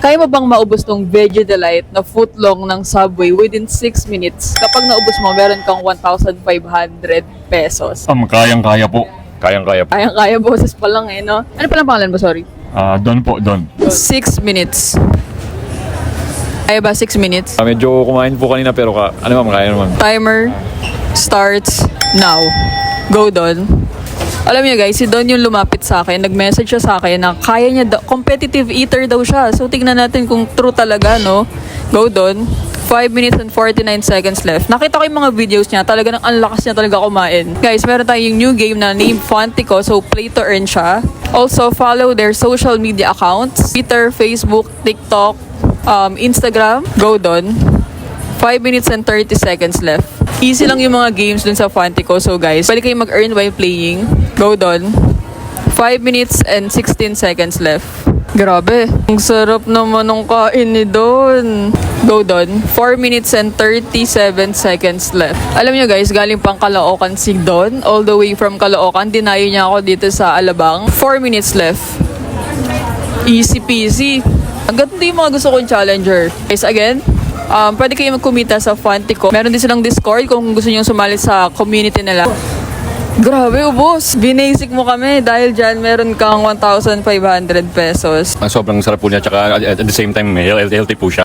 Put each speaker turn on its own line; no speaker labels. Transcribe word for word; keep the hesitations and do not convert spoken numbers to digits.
Kaya mo bang maubos tong Veggie Delight na footlong ng Subway within six minutes? Kapag naubos mo, meron kang one thousand five hundred pesos.
Um, kayang-kaya po. Kayang-kaya po.
Kayang-kaya, boses pa lang eh, no? Ano palang pangalan mo, sorry?
Ah, Don po, Don.
Six minutes. Kaya ba six minutes?
Uh, medyo kumain po kanina pero ka, ano ma'am, kaya naman.
Timer starts now. Go, Don. Alam niyo guys, si Don yung lumapit sa akin, nag-message siya sa akin na kaya niya, da- competitive eater daw siya. So tignan natin kung true talaga, no? Go, Don. five minutes and forty-nine seconds left. Nakita ko yung mga videos niya, talaga nang ang lakas niya talaga kumain. Guys, meron tayong new game na named Fantico, so play to earn siya. Also, follow their social media accounts, Twitter, Facebook, TikTok, um, Instagram. Go, Don. five minutes and thirty seconds left. Easy lang yung mga games dun sa Fantico. So guys, pwede kayong mag-earn while playing. Go, Don. five minutes and sixteen seconds left. Grabe. Ang sarap naman ng kain ni Don. Go, Don. four minutes and thirty-seven seconds left. Alam nyo guys, galing pang Caloocan si Don. All the way from Caloocan. Dinayo niya ako dito sa Alabang. four minutes left. Easy peasy. Ang ganda yung mga gusto kong challenger. Guys, again, um, pwede kayo magkumita sa Fantico. Meron din silang Discord kung gusto nyo sumali sa community nila. Grabe, ubos. Binasic mo kami dahil dyan meron kang one thousand five hundred pesos.
Sobrang sarap po niya, tsaka at the same time healthy po siya.